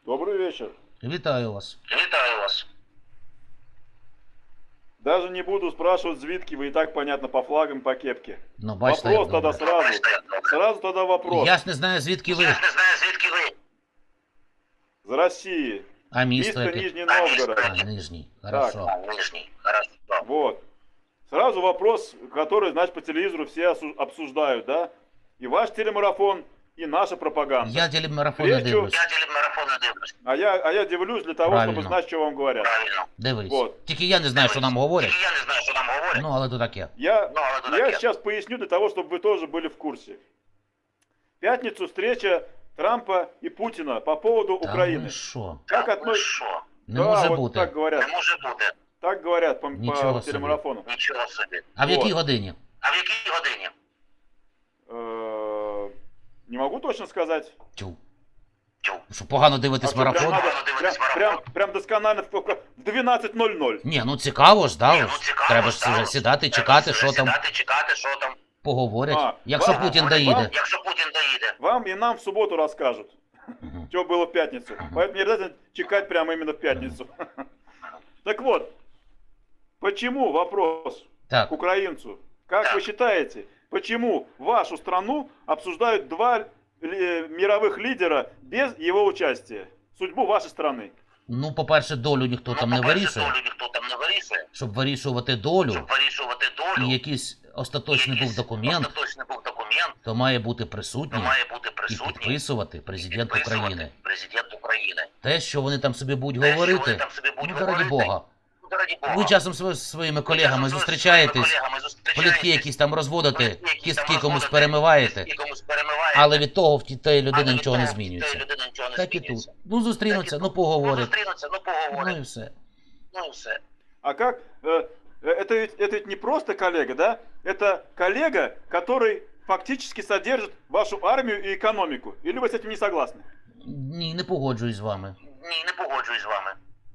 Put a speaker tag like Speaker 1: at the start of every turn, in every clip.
Speaker 1: Добрый вечер.
Speaker 2: Вітаю вас.
Speaker 3: Вітаю вас.
Speaker 1: Даже не буду спрашивать звідки, вы и так понятно по флагам, по кепке.
Speaker 2: Ну, бачите,
Speaker 1: Вопрос
Speaker 2: як
Speaker 1: тогда
Speaker 2: добре.
Speaker 1: сразу тогда вопрос.
Speaker 2: Я ж не знаю, звідки ви.
Speaker 3: Я не знаю, звідки ви.
Speaker 1: З России.
Speaker 2: А місто
Speaker 1: Місто
Speaker 2: яке?
Speaker 1: Нижний Новгород.
Speaker 2: А, Нижній. Хорошо.
Speaker 3: Нижній. Хорошо.
Speaker 1: Вот. Сразу вопрос, который, значит, по телевизору все обсуждают, да? И ваш телемарафон, и наша пропаганда.
Speaker 2: Я телемарафон не
Speaker 1: Прежде
Speaker 2: дивлюсь.
Speaker 3: Я телемарафон не дивлюсь.
Speaker 1: А я дивлюсь для того,
Speaker 2: Правильно.
Speaker 1: чтобы знать, что вам говорят.
Speaker 3: Правильно.
Speaker 2: Дивись.
Speaker 1: Вот.
Speaker 2: Тільки я не знаю, що нам говорять.
Speaker 3: Тільки я не знаю, що нам говорять.
Speaker 2: Ну, але то таке.
Speaker 1: Я
Speaker 3: таке.
Speaker 1: сейчас поясню для того, чтобы вы тоже были в курсе. В пятницу встреча Трампа и Путина по поводу
Speaker 2: Та
Speaker 1: Украины.
Speaker 2: ви що?
Speaker 1: Как
Speaker 3: Ви
Speaker 1: относитесь?
Speaker 3: що?
Speaker 2: Не може
Speaker 1: вот
Speaker 2: бути.
Speaker 1: так говорят.
Speaker 3: Не може бути.
Speaker 1: Так говорят по
Speaker 2: Ничего себе.
Speaker 1: телемарафону.
Speaker 3: Нічого собі.
Speaker 2: А в
Speaker 1: Вот.
Speaker 2: якій годині?
Speaker 3: А в якій годині?
Speaker 1: Не могу точно сказать.
Speaker 2: Тю.
Speaker 3: Тю.
Speaker 2: Що погано дивитись
Speaker 1: что, прям,
Speaker 2: марафон?
Speaker 1: надо-
Speaker 3: Надо дивитись
Speaker 1: прям,
Speaker 3: марафон.
Speaker 1: прям досконально в 12:00.
Speaker 2: Ні, ну цікаво ж, да?
Speaker 3: Ні,
Speaker 2: ось.
Speaker 3: ну цікаво,
Speaker 2: Треба ж
Speaker 3: цікаво.
Speaker 2: сідати,
Speaker 3: Треба
Speaker 2: чекати,
Speaker 3: ж
Speaker 2: що там
Speaker 3: сідати, чекати, що там.
Speaker 2: поговорять.
Speaker 1: А,
Speaker 2: Якщо
Speaker 1: вам-
Speaker 2: Путін
Speaker 1: вам-
Speaker 2: доїде.
Speaker 3: Якщо Путін доїде.
Speaker 1: Вам и нам в субботу расскажут,
Speaker 2: Мгм.
Speaker 1: что было в пятницу. Поэтому не обязательно чекать прямо именно в пятницу. Так вот, почему вопрос
Speaker 2: Так,
Speaker 1: к украинцу? Как
Speaker 3: Так.
Speaker 1: вы считаете, почему вашу страну обсуждают два мировых лидера без его участия? Судьбу вашей страны.
Speaker 2: ну, по-перше, долю ніхто там не
Speaker 3: по-перше,
Speaker 2: вирішує.
Speaker 3: долю ніхто там не вирішує.
Speaker 2: Щоб вирішувати долю,
Speaker 3: Щоб вирішувати долю.
Speaker 2: і якийсь остаточний був документ,
Speaker 3: Остаточний був документ.
Speaker 2: то має бути
Speaker 3: То
Speaker 2: присутній
Speaker 3: має бути
Speaker 2: і
Speaker 3: присутній.
Speaker 2: підписувати президент
Speaker 3: підписувати
Speaker 2: України.
Speaker 3: Президент України.
Speaker 2: Те, що вони там собі будуть
Speaker 3: Те, що вони
Speaker 2: говорити,
Speaker 3: там собі будуть
Speaker 2: ну, раді
Speaker 3: говорити,
Speaker 2: Бога.
Speaker 3: Ну, раді Бога.
Speaker 2: Ви часом зі своїми колегами
Speaker 3: Ви часом
Speaker 2: зустрічаєтесь,
Speaker 3: зі своїми колегами
Speaker 2: плітки якісь там розводите,
Speaker 3: плітки якісь там
Speaker 2: кістки комусь
Speaker 3: розводите,
Speaker 2: перемиваєте,
Speaker 3: кістки комусь перемиваєте.
Speaker 2: але від того в тієї людини
Speaker 3: Але
Speaker 2: нічого не
Speaker 3: від того
Speaker 2: змінюється.
Speaker 3: тієї людини нічого не
Speaker 2: Так і тут.
Speaker 3: змінюється.
Speaker 2: Ну, зустрінуться,
Speaker 3: Так і
Speaker 2: ну
Speaker 3: тут.
Speaker 2: поговорять.
Speaker 3: Зустрінуться, ну
Speaker 2: Ну і
Speaker 3: поговорять.
Speaker 2: все.
Speaker 3: Ну і все.
Speaker 1: А как? Это ведь не просто коллега, да? Это коллега, который фактически содержит вашу армию и экономику. Или вы с этим не согласны?
Speaker 2: Ні, не погоджуюсь з вами.
Speaker 3: Ні, не погоджуюсь з вами.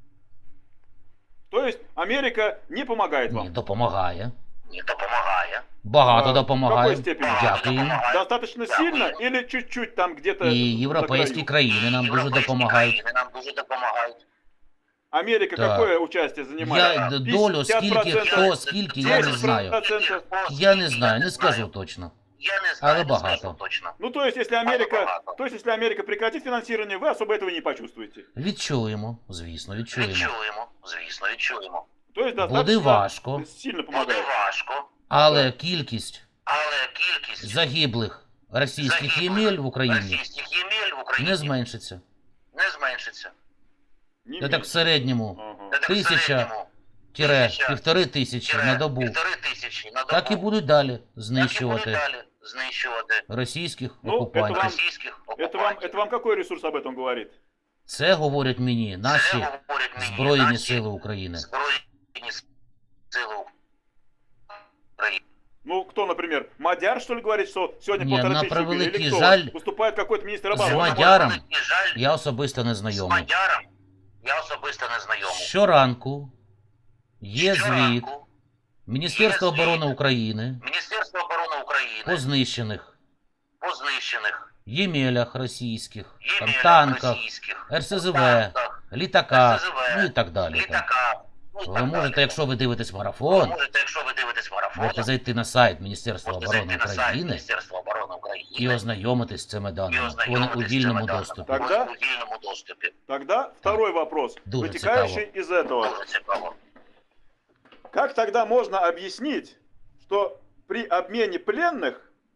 Speaker 1: То есть Америка не помогает
Speaker 2: Ні,
Speaker 1: вам?
Speaker 2: допомагає.
Speaker 3: Ні, допомагає.
Speaker 2: Багато
Speaker 1: А, в
Speaker 2: допомагає.
Speaker 1: какой степени?
Speaker 2: Дякую їм.
Speaker 1: Достаточно сильно или чуть-чуть там где-то
Speaker 2: І
Speaker 1: на
Speaker 2: європейські
Speaker 1: краю?
Speaker 2: країни нам дуже
Speaker 3: Європейські
Speaker 2: допомагають.
Speaker 3: країни нам дуже допомагають.
Speaker 1: Америка
Speaker 2: Так.
Speaker 1: какое участие занимает?
Speaker 2: Я долю, скільки,
Speaker 1: 50%,
Speaker 2: хто, скільки, я не знаю.
Speaker 1: 10%.
Speaker 2: Я не знаю, не скажу точно.
Speaker 3: Я не знаю,
Speaker 2: Але
Speaker 3: не
Speaker 2: багато.
Speaker 3: скажу точно.
Speaker 1: Ну, то есть, если Америка прекратит финансирование, вы особо этого не почувствуете.
Speaker 2: Відчуємо, звісно, відчуємо.
Speaker 3: Відчуємо, звісно, відчуємо.
Speaker 1: То есть,
Speaker 2: Буде
Speaker 1: достаточно
Speaker 2: важко,
Speaker 1: сильно
Speaker 3: Буде
Speaker 1: помогает.
Speaker 3: важко,
Speaker 2: але кількість
Speaker 3: але кількість
Speaker 2: загиблих російських ємель в Україні
Speaker 3: російських ємель в Україні
Speaker 2: не зменшиться.
Speaker 3: не зменшиться.
Speaker 1: Не
Speaker 2: Це так в
Speaker 1: меньше.
Speaker 2: середньому
Speaker 1: Ага.
Speaker 3: Це так в
Speaker 2: 1000
Speaker 3: середньому
Speaker 2: тире 1500 на добу.
Speaker 3: 1500 на добу.
Speaker 2: Так і будуть далі
Speaker 3: Так і будуть
Speaker 2: знищувати
Speaker 3: далі знищувати
Speaker 2: російських
Speaker 1: Ну,
Speaker 2: окупантів.
Speaker 3: російських окупантів.
Speaker 1: Это вам какой ресурс об этом говорит?
Speaker 2: Це говорять мені наші
Speaker 3: Це говорять мені
Speaker 2: Збройні
Speaker 3: наші
Speaker 2: Сили України.
Speaker 3: Збройні Сили України.
Speaker 1: Ну, кто, например, Мадяр, что ли, говорит, что сегодня
Speaker 2: Не,
Speaker 1: 1500
Speaker 2: на
Speaker 1: убили?
Speaker 2: превеликий
Speaker 1: Или кто?
Speaker 2: жаль,
Speaker 1: Выступает какой-то министр
Speaker 2: з
Speaker 1: обороны?
Speaker 2: Мадяром
Speaker 3: І жаль,
Speaker 2: я особисто не
Speaker 3: з
Speaker 2: знайомий.
Speaker 3: Мадяром я особисто не знайомий.
Speaker 2: Щоранку є звіт
Speaker 3: Щоранку
Speaker 2: Міністерства
Speaker 3: є звіт
Speaker 2: оборони України
Speaker 3: Міністерство оборони України
Speaker 2: по знищених
Speaker 3: по знищених
Speaker 2: ємелях російських, там,
Speaker 3: ємелях
Speaker 2: танках,
Speaker 3: російських,
Speaker 2: РСЗВ,
Speaker 3: танках,
Speaker 2: літаках,
Speaker 3: РСЗВ,
Speaker 2: ну і так далі. Там.
Speaker 3: літаках. Ну, і
Speaker 2: Ви
Speaker 3: так
Speaker 2: можете,
Speaker 3: далі.
Speaker 2: якщо ви дивитесь
Speaker 3: Ви
Speaker 2: марафон,
Speaker 3: можете, якщо ви дивитесь марафон,
Speaker 2: можете зайти на сайт Міністерства
Speaker 3: можете
Speaker 2: оборони
Speaker 3: зайти на сайт
Speaker 2: України
Speaker 3: Міністерства оборони України
Speaker 2: і ознайомитись з цими
Speaker 3: і
Speaker 2: даними. Вони
Speaker 3: ознайомитись
Speaker 2: у
Speaker 3: з
Speaker 2: вільному
Speaker 3: цими даними.
Speaker 2: доступі.
Speaker 1: Так.
Speaker 3: Вони у вільному доступі.
Speaker 1: Тогда второй вопрос,
Speaker 2: Дуже
Speaker 1: вытекающий из этого.
Speaker 3: Дуже цікаво.
Speaker 1: Как тогда можно объяснить, что при обмене пленных,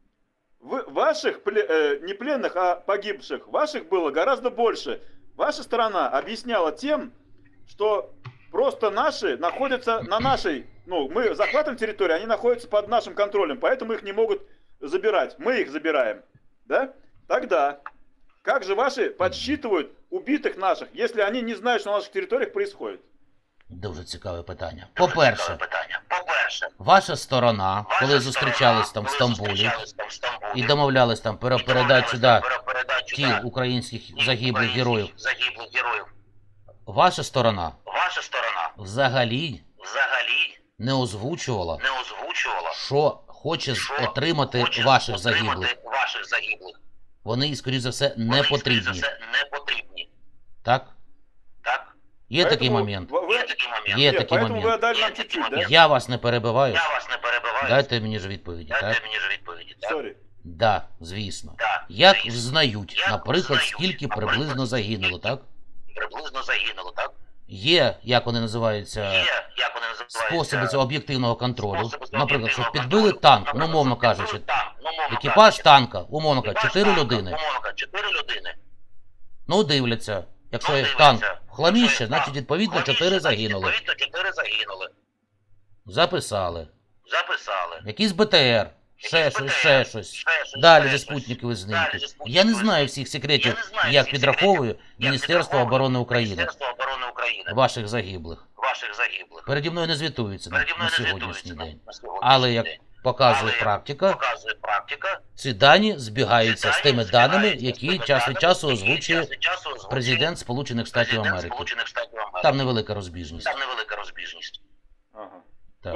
Speaker 1: не пленных, а погибших, ваших было гораздо больше? Ваша сторона объясняла тем, что просто наши находятся на нашей, ну, мы захватываем территорию, они находятся под нашим контролем, поэтому их не могут забирать. Мы их забираем, да? Тогда, как же ваши подсчитывают убитых наших, если они не знают, что на наших территориях происходит?
Speaker 2: Дуже цікаве питання.
Speaker 3: Дуже
Speaker 2: По-перше,
Speaker 3: цікаве питання. По-перше,
Speaker 2: ваша сторона,
Speaker 3: ваша
Speaker 2: коли зустрічались там в
Speaker 3: коли
Speaker 2: Стамбулі
Speaker 3: зустрічались там в Стамбулі,
Speaker 2: і домовлялись там
Speaker 3: і
Speaker 2: передати сюди
Speaker 3: домовлялись про передачу,
Speaker 2: тіл
Speaker 3: да,
Speaker 2: українських
Speaker 3: тіл
Speaker 2: загиблих
Speaker 3: українських
Speaker 2: героїв,
Speaker 3: загиблих героїв.
Speaker 2: ваша сторона
Speaker 3: Ваша сторона
Speaker 2: взагалі
Speaker 3: взагалі
Speaker 2: не озвучувала,
Speaker 3: не озвучувала,
Speaker 2: що хоче
Speaker 3: що
Speaker 2: отримати
Speaker 3: хоче
Speaker 2: ваших
Speaker 3: отримати
Speaker 2: загиблих.
Speaker 3: ваших загиблих.
Speaker 2: Вони, скоріш за все,
Speaker 3: Вони,
Speaker 2: не
Speaker 3: скоріше за
Speaker 2: потрібні.
Speaker 3: все, не потрібні.
Speaker 2: Так?
Speaker 3: Так?
Speaker 2: Є такий
Speaker 1: Поэтому
Speaker 2: момент.
Speaker 1: вы-
Speaker 3: Є такий момент.
Speaker 2: Є
Speaker 1: Нет,
Speaker 2: такий
Speaker 1: поэтому вы
Speaker 2: момент.
Speaker 1: отдали нам
Speaker 3: Є такий
Speaker 1: чуть-чуть, да?
Speaker 3: момент.
Speaker 2: Я вас не перебиваю.
Speaker 3: Я вас не перебиваю.
Speaker 2: Дайте мені ж відповіді,
Speaker 3: Дайте
Speaker 2: так?
Speaker 3: мені ж відповіді, так?
Speaker 1: Сорі.
Speaker 2: Да, звісно.
Speaker 3: Так,
Speaker 2: Як
Speaker 3: звісно.
Speaker 2: взнають,
Speaker 3: Як
Speaker 2: наприклад,
Speaker 3: взнають,
Speaker 2: скільки
Speaker 3: наприклад,
Speaker 2: приблизно загинуло, так?
Speaker 3: Приблизно загинуло, так?
Speaker 2: Є, як вони називаються,
Speaker 3: Є, як вони називаються,
Speaker 2: способи цього об'єктивного контролю.
Speaker 3: способи цього
Speaker 2: Наприклад, що
Speaker 3: об'єктивного
Speaker 2: підбили
Speaker 3: контролю.
Speaker 2: танк, ну,
Speaker 3: Наприклад,
Speaker 2: мовно
Speaker 3: що підбили
Speaker 2: кажучи,
Speaker 3: танк, ну, мовно
Speaker 2: екіпаж
Speaker 3: кажучи.
Speaker 2: танка, умовно кажучи,
Speaker 3: Екіпаж
Speaker 2: 4
Speaker 3: танка,
Speaker 2: людини.
Speaker 3: умовно кажучи, 4 людини.
Speaker 2: Ну, дивляться. Якщо
Speaker 3: Ну,
Speaker 2: танк
Speaker 3: дивляться.
Speaker 2: в хламіще,
Speaker 3: Якщо
Speaker 2: значить,
Speaker 3: танк
Speaker 2: відповідно,
Speaker 3: хламіще,
Speaker 2: 4
Speaker 3: значить,
Speaker 2: загинули.
Speaker 3: Відповідно, 4 загинули.
Speaker 2: Записали.
Speaker 3: Записали.
Speaker 2: Якийсь БТР, ще
Speaker 3: Якийсь
Speaker 2: щось,
Speaker 3: БТР,
Speaker 2: ще щось.
Speaker 3: ще щось,
Speaker 2: Далі
Speaker 3: ще
Speaker 2: зі
Speaker 3: щось.
Speaker 2: спутникових
Speaker 3: Далі
Speaker 2: знімків.
Speaker 3: зі
Speaker 2: Я
Speaker 3: спутникових
Speaker 2: не знаю
Speaker 3: знімків.
Speaker 2: всіх секретів,
Speaker 3: Я не знаю
Speaker 2: як
Speaker 3: всіх
Speaker 2: підраховує
Speaker 3: секретів, як
Speaker 2: Міністерство
Speaker 3: підраховує
Speaker 2: оборони України
Speaker 3: Міністерство оборони України.
Speaker 2: ваших загиблих.
Speaker 3: Ваших загиблих.
Speaker 2: Переді мною не звітується
Speaker 3: Переді
Speaker 2: на
Speaker 3: мною не
Speaker 2: сьогоднішній
Speaker 3: звітується
Speaker 2: день.
Speaker 3: на сьогоднішній
Speaker 2: Але як
Speaker 3: день.
Speaker 2: показує
Speaker 3: Але, як
Speaker 2: практика,
Speaker 3: показує практика,
Speaker 2: ці дані збігаються з тими даними,
Speaker 3: збігаються з
Speaker 2: які
Speaker 3: тими
Speaker 2: час від
Speaker 3: даними,
Speaker 2: часу
Speaker 3: які
Speaker 2: озвучує
Speaker 3: час від часу озвучує
Speaker 2: президент Сполучених Штатів
Speaker 3: Президент
Speaker 2: Америки.
Speaker 3: Сполучених Штатів Америки.
Speaker 2: Там невелика розбіжність.
Speaker 3: Там невелика розбіжність.
Speaker 1: Ага.
Speaker 2: Так.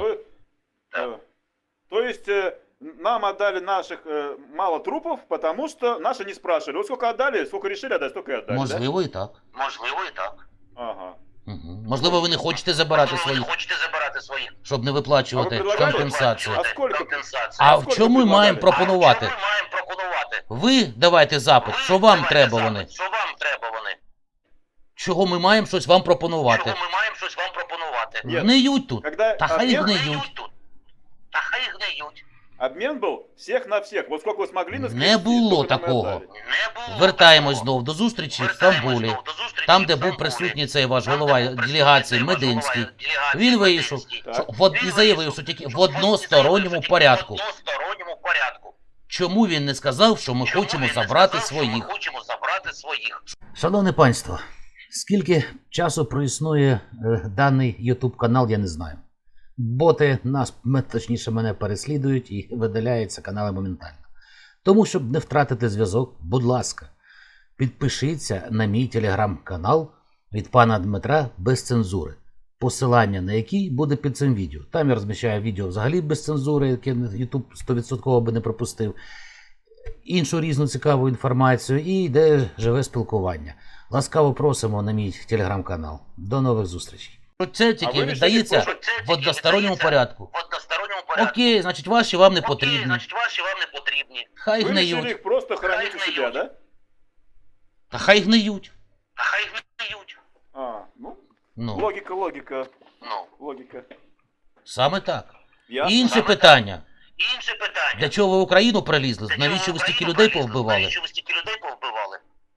Speaker 1: То есть нам отдали наших мало трупов, потому что наши не спрашивали. Вот сколько отдали, сколько решили отдать, столько и отдали.
Speaker 2: Можливо, і так.
Speaker 3: Можливо, і так.
Speaker 1: Да? Ага.
Speaker 2: Угу. Можливо, ви не хочете забирати
Speaker 3: Можливо, ви
Speaker 2: своїх,
Speaker 3: не хочете забирати своїх.
Speaker 2: щоб не виплачувати
Speaker 1: А ви предлагали?
Speaker 2: компенсацію.
Speaker 1: А сколько?
Speaker 3: Компенсацію.
Speaker 2: А в
Speaker 1: сколько
Speaker 2: чому ми
Speaker 1: предлагали?
Speaker 2: маємо пропонувати?
Speaker 3: А що ми маємо пропонувати?
Speaker 2: Ви давайте запит,
Speaker 3: Ви
Speaker 2: що вам
Speaker 3: давайте
Speaker 2: треба
Speaker 3: запит,
Speaker 2: вони?
Speaker 3: Що вам треба вони?
Speaker 2: Чого ми маємо щось вам пропонувати?
Speaker 3: Чого ми маємо щось вам пропонувати?
Speaker 1: Нет.
Speaker 2: Гниють тут.
Speaker 1: Когда
Speaker 2: Та хай
Speaker 1: обмен,
Speaker 2: гниють.
Speaker 3: тут. Та хай гниють.
Speaker 1: обмен был всех на всех. Вот сколько вы смогли
Speaker 2: Не
Speaker 1: наскрести,
Speaker 2: було
Speaker 1: столько нам и
Speaker 2: такого.
Speaker 1: отдали.
Speaker 3: Не було
Speaker 2: Вертаємось
Speaker 3: такого.
Speaker 2: знов до зустрічі в
Speaker 3: Вертаємось
Speaker 2: Стамбулі.
Speaker 3: знов до зустрічі
Speaker 2: Там,
Speaker 3: в
Speaker 2: де був
Speaker 3: Стамбулі.
Speaker 2: присутній цей ваш
Speaker 3: Там, де
Speaker 2: голова
Speaker 3: був присутній
Speaker 2: делегації
Speaker 3: цей ваш
Speaker 2: Мединський.
Speaker 3: голова делегації
Speaker 2: Він вийшов
Speaker 3: Мединський.
Speaker 1: Так.
Speaker 2: і заявив, що тільки в односторонньому порядку.
Speaker 3: В односторонньому порядку.
Speaker 2: Чому він не сказав, що ми
Speaker 3: Чому
Speaker 2: хочемо
Speaker 3: він не
Speaker 2: забрати
Speaker 3: сказав, що
Speaker 2: своїх?
Speaker 3: Ми хочемо забрати своїх.
Speaker 2: Шановне панство, скільки часу проіснує даний YouTube канал, я не знаю. Боти нас, точніше, мене переслідують і видаляються канали моментально. Тому, щоб не втратити зв'язок, будь ласка, підпишіться на мій телеграм-канал від пана Дмитра без цензури, посилання на який буде під цим відео. Там я розміщаю відео взагалі без цензури, яке YouTube 100% би не пропустив, іншу різну цікаву інформацію і йде живе спілкування. Ласкаво просимо на мій телеграм-канал. До нових зустрічей. Це тільки
Speaker 1: ви
Speaker 2: віддається
Speaker 1: вирішили
Speaker 3: Що це
Speaker 2: в
Speaker 3: тільки
Speaker 2: односторонньому
Speaker 3: віддається
Speaker 2: порядку.
Speaker 3: В односторонньому порядку.
Speaker 2: Окей, значить ваші вам не
Speaker 3: Окей,
Speaker 2: потрібні.
Speaker 3: значить ваші вам не потрібні.
Speaker 2: Хай
Speaker 1: Вы решили
Speaker 2: гниють.
Speaker 1: их просто хранить у
Speaker 3: Хай
Speaker 1: себя,
Speaker 3: гниют.
Speaker 1: да?
Speaker 2: Та хай гниють.
Speaker 3: А хай гниють.
Speaker 1: А, ну,
Speaker 2: Ну,
Speaker 1: логика.
Speaker 3: Ну,
Speaker 1: Логика.
Speaker 2: саме так.
Speaker 1: Ясно.
Speaker 2: Інше
Speaker 3: Саме
Speaker 2: питання.
Speaker 3: інше питання.
Speaker 2: Для чого ви в Україну прилізли?
Speaker 3: Для чого
Speaker 2: Навіщо ви
Speaker 3: в
Speaker 2: стільки
Speaker 3: Україну
Speaker 2: людей
Speaker 3: прилізли?
Speaker 2: повбивали?
Speaker 3: Навіщо ви стільки людей повбивали?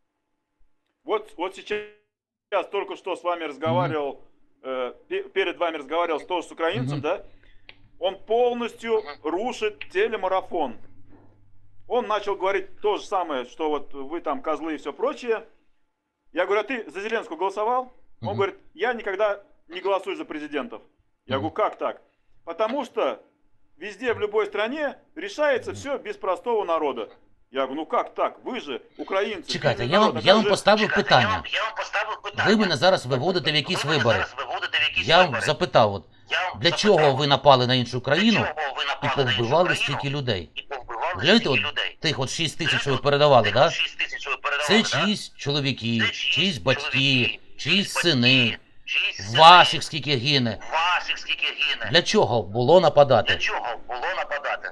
Speaker 1: Вот сейчас только что с вами разговаривал, перед вами разговаривал тоже с украинцем,
Speaker 2: Мгм.
Speaker 1: да? Он полностью рушит телемарафон. Он начал говорить то же самое, что вот вы там козлы и все прочее. Я говорю, а ты за Зеленского голосовал? Он
Speaker 2: Мгм.
Speaker 1: говорит, я никогда не голосую за президентов. Я
Speaker 2: Мгм.
Speaker 1: говорю, как так? Потому что везде, в любой стране решается все без простого народа. Я говорю, ну как так? Вы же украинцы.
Speaker 2: Чекайте,
Speaker 1: бедный
Speaker 2: я
Speaker 1: народ,
Speaker 2: вам
Speaker 1: а как же-
Speaker 2: поставив
Speaker 3: Чекайте,
Speaker 2: питання.
Speaker 3: Я вам поставив питання.
Speaker 2: Ви мене зараз виводите в якісь
Speaker 3: Ви мене
Speaker 2: вибори.
Speaker 3: зараз виводите в якісь
Speaker 2: Я вам
Speaker 3: вибори.
Speaker 2: запитав, от,
Speaker 3: Я вам
Speaker 2: для
Speaker 3: запитав,
Speaker 2: чого ви напали на іншу
Speaker 3: для
Speaker 2: країну
Speaker 3: чого ви
Speaker 2: і
Speaker 3: напали на іншу
Speaker 2: повбивали
Speaker 3: країну
Speaker 2: стільки людей?
Speaker 3: і повбивали
Speaker 2: Гляньте,
Speaker 3: стільки
Speaker 2: от
Speaker 3: людей?
Speaker 2: тих от 6 тисяч, що ви передавали,
Speaker 3: Тих
Speaker 2: да?
Speaker 3: от 6 тисяч ви передавали,
Speaker 2: Це
Speaker 3: да?
Speaker 2: чиїсь чоловіки,
Speaker 3: Це
Speaker 2: чиїсь батьки,
Speaker 3: чоловіки,
Speaker 2: чиїсь
Speaker 3: батьки,
Speaker 2: сини,
Speaker 3: чиїсь сини,
Speaker 2: ваших скільки гине.
Speaker 3: ваших скільки гине.
Speaker 2: Для чого було
Speaker 3: Для
Speaker 2: нападати?
Speaker 3: чого було нападати?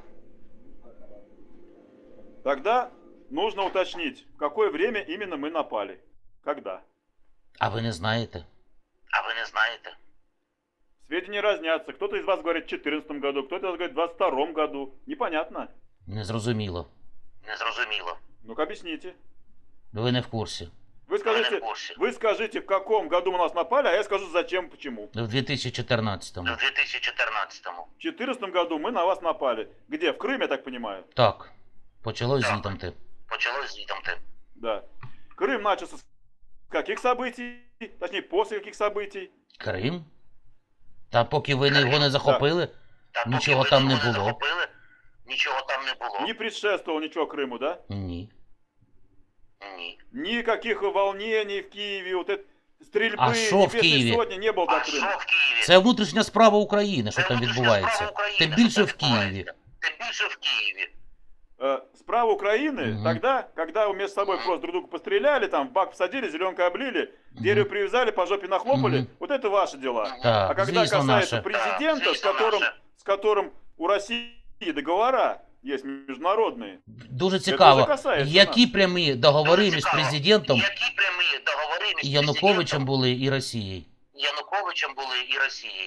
Speaker 1: Тогда нужно уточнить, в какое время именно мы напали. Когда?
Speaker 2: А ви не знаєте?
Speaker 3: А ви не знаєте?
Speaker 1: Сведения разнятся. Кто-то из вас говорит в 2014 году, кто-то из вас говорит в 2022 году. Непонятно.
Speaker 2: Незрозуміло.
Speaker 3: Незрозуміло.
Speaker 1: Ну-ка объясните.
Speaker 2: Ви не в курсі.
Speaker 1: Вы
Speaker 3: Ви не
Speaker 1: скажите,
Speaker 3: в курсі.
Speaker 1: вы скажите, в каком году мы нас напали, а я скажу зачем, почему.
Speaker 2: В 2014-му.
Speaker 3: В 2014-му.
Speaker 1: В 2014 году мы на вас напали. Где? В Крым, я так понимаю.
Speaker 2: Так. Почалось
Speaker 3: Так.
Speaker 2: звітом.
Speaker 3: Почалось звітомти.
Speaker 1: Да. Крым начался с каких событий? Точнее, после каких событий?
Speaker 2: Крим? Та поки ви його не захопили,
Speaker 3: Та поки
Speaker 2: Нічого
Speaker 3: ви
Speaker 2: там не
Speaker 3: його
Speaker 2: було.
Speaker 3: захопили, нічого там не було.
Speaker 1: Не предшествовало ничего Крыму, да?
Speaker 2: ні.
Speaker 3: Ні.
Speaker 1: Никаких волнений в Киеве, вот это, стрельбы,
Speaker 2: А шо в
Speaker 1: небесной
Speaker 2: Киеве?
Speaker 1: сотни не было до
Speaker 3: А що
Speaker 1: Крыма.
Speaker 3: в Києві?
Speaker 2: Це внутрішня справа України, що
Speaker 3: Це
Speaker 2: там
Speaker 3: внутрішня
Speaker 2: відбувається.
Speaker 3: справа України,
Speaker 2: Тим
Speaker 3: що
Speaker 2: більше
Speaker 3: там
Speaker 2: в Києві.
Speaker 3: відбувається. Тим більше в Києві.
Speaker 1: справа Украины,
Speaker 2: Мгм.
Speaker 1: тогда, когда вы между собой просто друг друга постреляли, там в бак посадили, зеленкой облили, дерево привязали, по жопе нахлопали,
Speaker 2: Мгм.
Speaker 1: вот это ваши дела. А
Speaker 2: Так,
Speaker 1: когда
Speaker 2: звісно,
Speaker 1: касается
Speaker 2: наше.
Speaker 1: президента,
Speaker 3: Да, звісно,
Speaker 1: с которым у России договора есть международные,
Speaker 2: Дуже
Speaker 1: вже
Speaker 2: цікаво,
Speaker 1: касається
Speaker 2: які прямі договори між
Speaker 3: Цікаво,
Speaker 2: президентом
Speaker 3: Які прямі договори між
Speaker 2: і Януковичем
Speaker 3: президентом
Speaker 2: були і Росією?
Speaker 3: Януковичем були і Росією?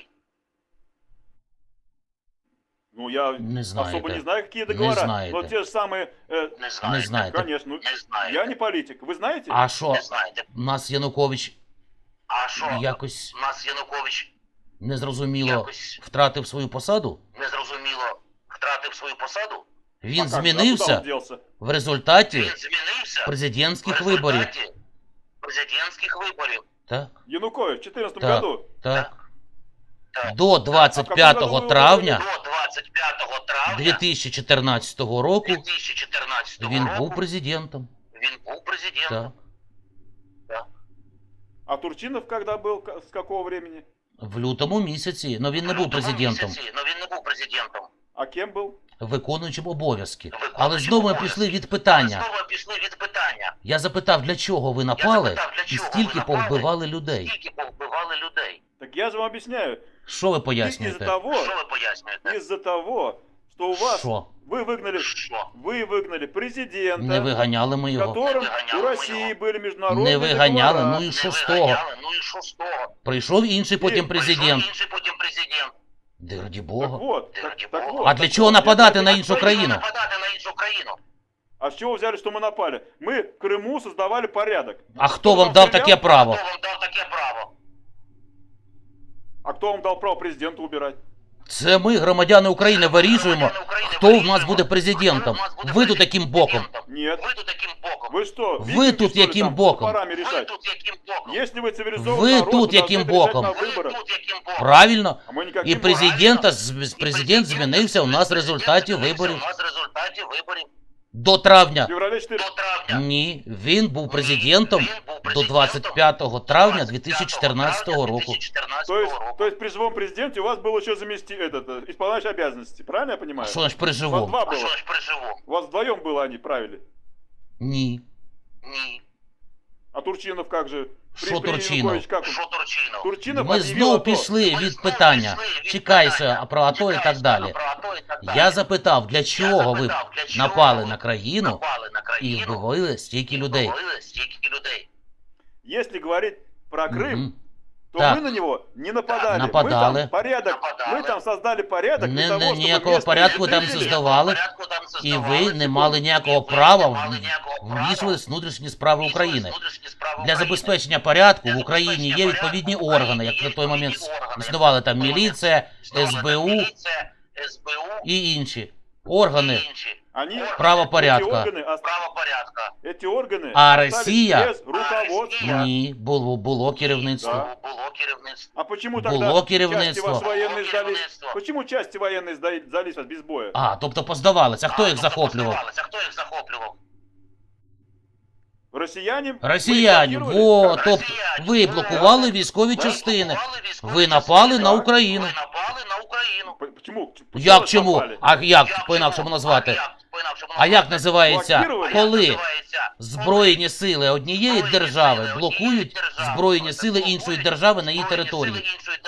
Speaker 1: ну я
Speaker 2: Не
Speaker 1: особо не
Speaker 2: знаєте.
Speaker 1: знаю, какие
Speaker 2: Не
Speaker 1: договора,
Speaker 2: знаєте.
Speaker 1: но те же самые,
Speaker 3: Не
Speaker 2: Не
Speaker 3: знаєте.
Speaker 2: знаєте.
Speaker 1: конечно, ну,
Speaker 3: Не знаєте.
Speaker 1: я не политик, вы знаете?
Speaker 2: А що,
Speaker 3: Не знаєте.
Speaker 2: нас Янукович
Speaker 3: А що?
Speaker 2: якось
Speaker 3: У нас Янукович
Speaker 2: незрозуміло
Speaker 3: якось
Speaker 2: втратив свою посаду?
Speaker 3: незрозуміло втратив свою посаду?
Speaker 2: Він
Speaker 1: А как же, а куда
Speaker 2: змінився
Speaker 1: он делся?
Speaker 2: в результаті
Speaker 3: Він змінився
Speaker 2: президентських
Speaker 3: в
Speaker 2: виборів.
Speaker 3: результаті президентських виборів.
Speaker 2: Так,
Speaker 1: Янукович в 2014
Speaker 2: Так.
Speaker 1: году?
Speaker 2: так.
Speaker 3: Так.
Speaker 2: До 25 травня
Speaker 3: До 25 травня
Speaker 2: 2014 року
Speaker 3: 2014
Speaker 2: він
Speaker 3: року
Speaker 2: був президентом.
Speaker 3: він був президентом.
Speaker 2: Так.
Speaker 1: А Турчинов когда был, с какого времени?
Speaker 2: В лютому місяці, але він не був президентом,
Speaker 3: Але він не був президентом.
Speaker 1: А кем был?
Speaker 2: виконуючим обов'язки.
Speaker 3: Виконуючим
Speaker 2: Але знову ми
Speaker 3: обов'язки.
Speaker 2: пішли від питання.
Speaker 3: Знову пішли від питання.
Speaker 2: Я запитав, для чого ви напали
Speaker 3: запитав, для
Speaker 2: і
Speaker 3: чого
Speaker 2: стільки
Speaker 3: ви напали?
Speaker 2: повбивали людей.
Speaker 3: Скільки повбивали людей?
Speaker 1: Так я же вам объясняю.
Speaker 2: Що ви
Speaker 1: Из-за
Speaker 2: пояснюєте?
Speaker 1: того,
Speaker 3: Що ви пояснюєте?
Speaker 1: из-за того, что у вас
Speaker 2: Що?
Speaker 1: вы выгнали президента,
Speaker 2: Не виганяли ми
Speaker 1: с
Speaker 2: його.
Speaker 1: которым
Speaker 3: Не выгоняли
Speaker 1: у
Speaker 3: мы
Speaker 1: России
Speaker 3: его.
Speaker 1: были международные
Speaker 2: Не виганяли,
Speaker 1: договора.
Speaker 2: ну і
Speaker 3: Не
Speaker 2: що з того?
Speaker 3: виганяли, ну і що з того?
Speaker 2: Прийшов інший потім
Speaker 3: Прийшов
Speaker 2: президент.
Speaker 3: інший потім президент.
Speaker 2: Де раді
Speaker 1: Так
Speaker 2: Бога.
Speaker 1: вот, так вот.
Speaker 2: А для чого нападати на іншу
Speaker 3: Чому
Speaker 2: країну?
Speaker 3: нападати на іншу країну?
Speaker 1: А с чего вы взяли, что мы напали? Мы в Крыму создавали порядок.
Speaker 2: А хто вам дав таке право?
Speaker 3: Хто вам дав таке право?
Speaker 1: А кто вам дал право президента убирать?
Speaker 2: Це ми, громадяни України, вирішуємо, хто в нас буде президентом. Ви тут яким боком?
Speaker 1: Нет.
Speaker 3: Ви тут яким боком?
Speaker 1: Вы что,
Speaker 2: Вы
Speaker 1: викинги,
Speaker 2: тут
Speaker 1: что ли,
Speaker 2: яким
Speaker 1: там
Speaker 2: боком?
Speaker 1: топорами
Speaker 3: Ви
Speaker 1: решать?
Speaker 3: тут яким боком?
Speaker 1: Если вы цивилизованный
Speaker 2: Вы
Speaker 1: народ,
Speaker 2: тут
Speaker 1: вы должны
Speaker 2: яким
Speaker 1: это решать
Speaker 2: боком?
Speaker 1: на
Speaker 3: Ви
Speaker 1: выборах.
Speaker 3: тут яким боком?
Speaker 2: Правильно?
Speaker 1: А мы
Speaker 2: І
Speaker 1: никаким
Speaker 2: президент змінився у нас в результаті виборів.
Speaker 3: У нас в результаті виборів.
Speaker 2: До травня.
Speaker 1: в феврале 4.
Speaker 3: До травня.
Speaker 2: Ні, він був президентом
Speaker 3: Він був
Speaker 2: до
Speaker 3: президентом
Speaker 2: 25 травня
Speaker 3: 25
Speaker 2: 2014
Speaker 3: травня
Speaker 2: року.
Speaker 3: 2014
Speaker 1: То
Speaker 3: року.
Speaker 1: есть при живом президенте у вас был еще исполняющий обязанности, правильно я
Speaker 2: А
Speaker 1: понимаю?
Speaker 2: що ж при
Speaker 1: У вас
Speaker 2: живому?
Speaker 1: два
Speaker 3: А
Speaker 1: было.
Speaker 3: що ж при живому?
Speaker 1: У вас вдвоем было они правили.
Speaker 2: Ні.
Speaker 3: Ні.
Speaker 1: А Турчинов как же?
Speaker 2: Що Турчинов?
Speaker 1: Янукович как он?
Speaker 3: Що Турчинов?
Speaker 1: Турчинов
Speaker 2: Ми
Speaker 1: объявил
Speaker 2: знову
Speaker 1: АТО.
Speaker 2: пішли
Speaker 3: Ми
Speaker 2: від
Speaker 3: знову
Speaker 2: питання.
Speaker 3: пішли від
Speaker 2: Чекайся
Speaker 3: питання.
Speaker 2: про АТО і так
Speaker 3: Чекайся
Speaker 2: далі.
Speaker 3: про АТО і так далі.
Speaker 2: Я запитав, для чого ви
Speaker 3: запитав, для чого
Speaker 2: напали
Speaker 3: ви
Speaker 2: на країну
Speaker 3: напали на
Speaker 2: і
Speaker 3: країну
Speaker 2: вбивали стільки людей.
Speaker 3: вбивали стільки людей.
Speaker 1: Если говорить про Крым,
Speaker 2: Мгм.
Speaker 1: то
Speaker 2: Так.
Speaker 1: мы на него не нападали.
Speaker 2: Нападали.
Speaker 1: Мы там порядок,
Speaker 3: Нападали.
Speaker 1: мы там создали порядок для
Speaker 2: Не-
Speaker 1: того,
Speaker 2: не-
Speaker 1: чтобы
Speaker 2: ніякого
Speaker 1: местные
Speaker 2: порядку там
Speaker 1: жители-
Speaker 2: создавали.
Speaker 3: Порядку там
Speaker 2: І
Speaker 3: создавали.
Speaker 2: ви не мали ніякого
Speaker 3: І ви
Speaker 2: права
Speaker 3: не мали ніякого права
Speaker 2: вмішуватись в внутрішні справи
Speaker 3: вмішуватись
Speaker 2: України.
Speaker 3: в внутрішні справи
Speaker 2: Для
Speaker 3: України.
Speaker 2: забезпечення порядку
Speaker 3: Для
Speaker 2: в Україні
Speaker 3: забезпечення
Speaker 2: є
Speaker 3: порядку
Speaker 2: відповідні
Speaker 3: в Україні
Speaker 2: органи, як
Speaker 3: є
Speaker 2: на той момент
Speaker 3: відповідні органи, як
Speaker 2: існували там
Speaker 3: на той момент
Speaker 2: міліція,
Speaker 3: Існувала там
Speaker 2: СБУ
Speaker 3: міліція, СБУ
Speaker 2: і інші органи
Speaker 3: і інші.
Speaker 1: Они,
Speaker 2: правопорядка.
Speaker 1: эти органы,
Speaker 3: Правопорядка.
Speaker 1: эти органы
Speaker 2: А
Speaker 1: остались
Speaker 2: Россия?
Speaker 1: без руководства.
Speaker 2: Ні, було керівництво.
Speaker 1: Да.
Speaker 3: Було керівництво.
Speaker 1: А почему
Speaker 2: Было
Speaker 1: тогда
Speaker 2: керівництво.
Speaker 1: части ваши военные
Speaker 3: Было
Speaker 1: сдались?
Speaker 3: керівництво.
Speaker 1: Почему части военные сдались без боя?
Speaker 2: А, тобто поздавалися. А хто їх
Speaker 3: тобто
Speaker 2: захоплював?
Speaker 3: поставалися. А хто їх захоплював?
Speaker 1: Россияне?
Speaker 2: Росіяни.
Speaker 1: Мы их
Speaker 2: Во,
Speaker 1: блокировали?
Speaker 2: тобто ви блокували військові частини. Ви напали на Україну.
Speaker 3: Ви напали на Україну.
Speaker 1: Почему?
Speaker 2: Як
Speaker 1: вас
Speaker 2: чому?
Speaker 1: напали?
Speaker 2: А як по-інакшому назвати? А як називається,
Speaker 1: Блокировали?
Speaker 2: коли Збройні сили однієї держави блокують збройні сили іншої держави на її території?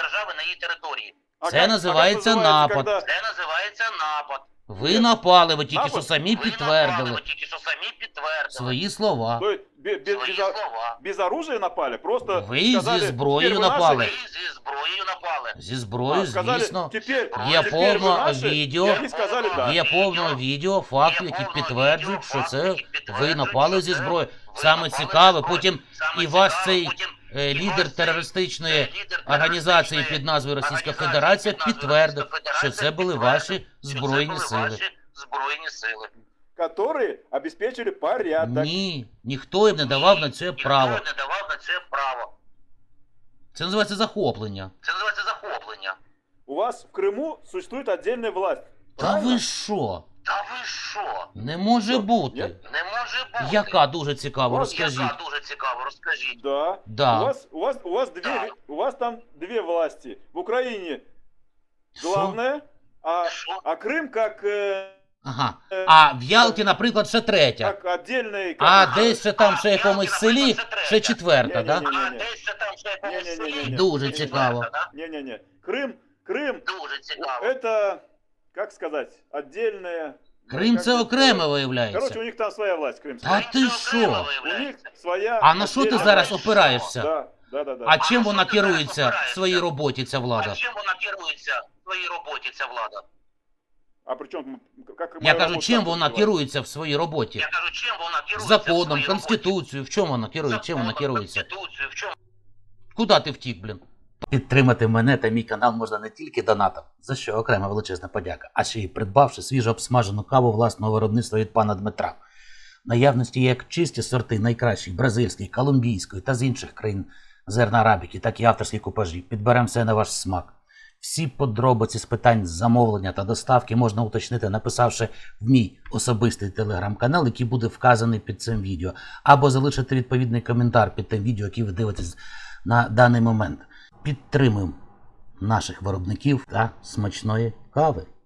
Speaker 1: А
Speaker 2: Це називається напад.
Speaker 1: когда-
Speaker 3: Це називається напад.
Speaker 2: Ви напали, ви тільки
Speaker 1: Напад?
Speaker 2: що самі
Speaker 3: Ви напали,
Speaker 2: підтвердили
Speaker 3: ви тільки що самі підтвердили
Speaker 2: свої слова.
Speaker 1: То есть
Speaker 3: свої слова.
Speaker 1: без оружия напали? Просто
Speaker 2: Вы
Speaker 1: сказали,
Speaker 2: зі зброєю
Speaker 1: «Теперь вы наши».
Speaker 2: напали.
Speaker 3: Ви зі зброєю напали.
Speaker 2: Зі зброєю,
Speaker 1: Сказали,
Speaker 2: звісно.
Speaker 1: теперь,
Speaker 2: Є
Speaker 1: теперь
Speaker 2: повне
Speaker 1: вы наши,
Speaker 2: відео.
Speaker 1: И они сказали да.
Speaker 2: Є повне відео, факти, які підтверджують, що це ви напали зі зброєю. Саме цікаве, потім і ваш цей лідер терористичної організації під назвою Російська Федерація підтвердив, що це були ваші збройні сили.
Speaker 3: Збройні сили.
Speaker 1: Которые обеспечили порядок.
Speaker 2: Ні, ніхто їм не давав на це право.
Speaker 3: Ніхто не давав на це право.
Speaker 2: Це називається захоплення.
Speaker 3: Це називається захоплення.
Speaker 1: У вас в Крыму существует отдельная власть.
Speaker 2: Та
Speaker 1: Правильно?
Speaker 2: ви що?
Speaker 3: Та ви що?
Speaker 2: Не може
Speaker 1: Що,
Speaker 2: бути.
Speaker 1: ні?
Speaker 3: Не може бути.
Speaker 2: Яка дуже цікаво, розкажіть.
Speaker 3: Яка дуже цікаво, розкажіть.
Speaker 1: Да.
Speaker 2: Да.
Speaker 1: Да. У вас там две власти. В Украине
Speaker 2: Що?
Speaker 1: главная,
Speaker 3: Що?
Speaker 1: а Крым как
Speaker 2: Ага. А в Ялті, наприклад, ще третя.
Speaker 1: Как отдельный...
Speaker 2: А
Speaker 1: как-
Speaker 2: десь ще там ще
Speaker 3: А,
Speaker 2: якомусь
Speaker 3: Ялті,
Speaker 2: селі
Speaker 3: наприклад,
Speaker 2: ще четверта, да?
Speaker 1: Ні-ні-ні.
Speaker 3: А десь ще там ще якомусь
Speaker 1: Ні-ні-ні-ні.
Speaker 3: селі.
Speaker 2: Дуже цікаво.
Speaker 3: Да?
Speaker 1: Не-не-не. Крым,
Speaker 3: Дуже цікаво.
Speaker 1: это, как сказать, отдельная...
Speaker 2: Крим
Speaker 1: как
Speaker 2: це
Speaker 1: это
Speaker 2: окремо
Speaker 1: сказать?
Speaker 2: виявляється.
Speaker 1: Короче, у них там своя власть, крымская.
Speaker 2: А
Speaker 3: Крим
Speaker 2: ти
Speaker 3: це окремо
Speaker 2: що?
Speaker 1: У них
Speaker 3: виявляється.
Speaker 1: своя...
Speaker 2: А на що ти
Speaker 1: отдельная
Speaker 2: зараз
Speaker 1: власть.
Speaker 2: опираєшся?
Speaker 1: Да.
Speaker 2: А чим
Speaker 3: А
Speaker 2: вона
Speaker 3: що ти зараз
Speaker 2: керується в
Speaker 3: опираєшся?
Speaker 2: своїй роботі, ця влада?
Speaker 3: А чим вона керується в своїй роботі, ця влада?
Speaker 1: А при чем, как
Speaker 2: Я
Speaker 1: моя
Speaker 2: кажу,
Speaker 1: работа
Speaker 2: чим
Speaker 1: там
Speaker 2: вона
Speaker 1: называется?
Speaker 2: керується в своїй роботі?
Speaker 3: Я кажу, чим вона керується в
Speaker 2: Законом,
Speaker 3: своїй роботі?
Speaker 2: конституцією, в чому вона керує? Чим вона
Speaker 3: Законом,
Speaker 2: керується?
Speaker 3: Конституцією, в чому?
Speaker 2: Куди ти втік, блін? Підтримати мене та мій канал можна не тільки донатом, за що окрема величезна подяка, а ще й придбавши свіжо обсмажену каву власного виробництва від пана Дмитра. В наявності є як чисті сорти найкращих бразильської, колумбійської та з інших країн зерна арабіки, так і авторські купажі. Підберемо все на ваш смак. Всі подробиці з питань замовлення та доставки можна уточнити, написавши в мій особистий телеграм-канал, який буде вказаний під цим відео, або залишити відповідний коментар під тим відео, яке ви дивитесь на даний момент. Підтримуємо наших виробників та смачної кави.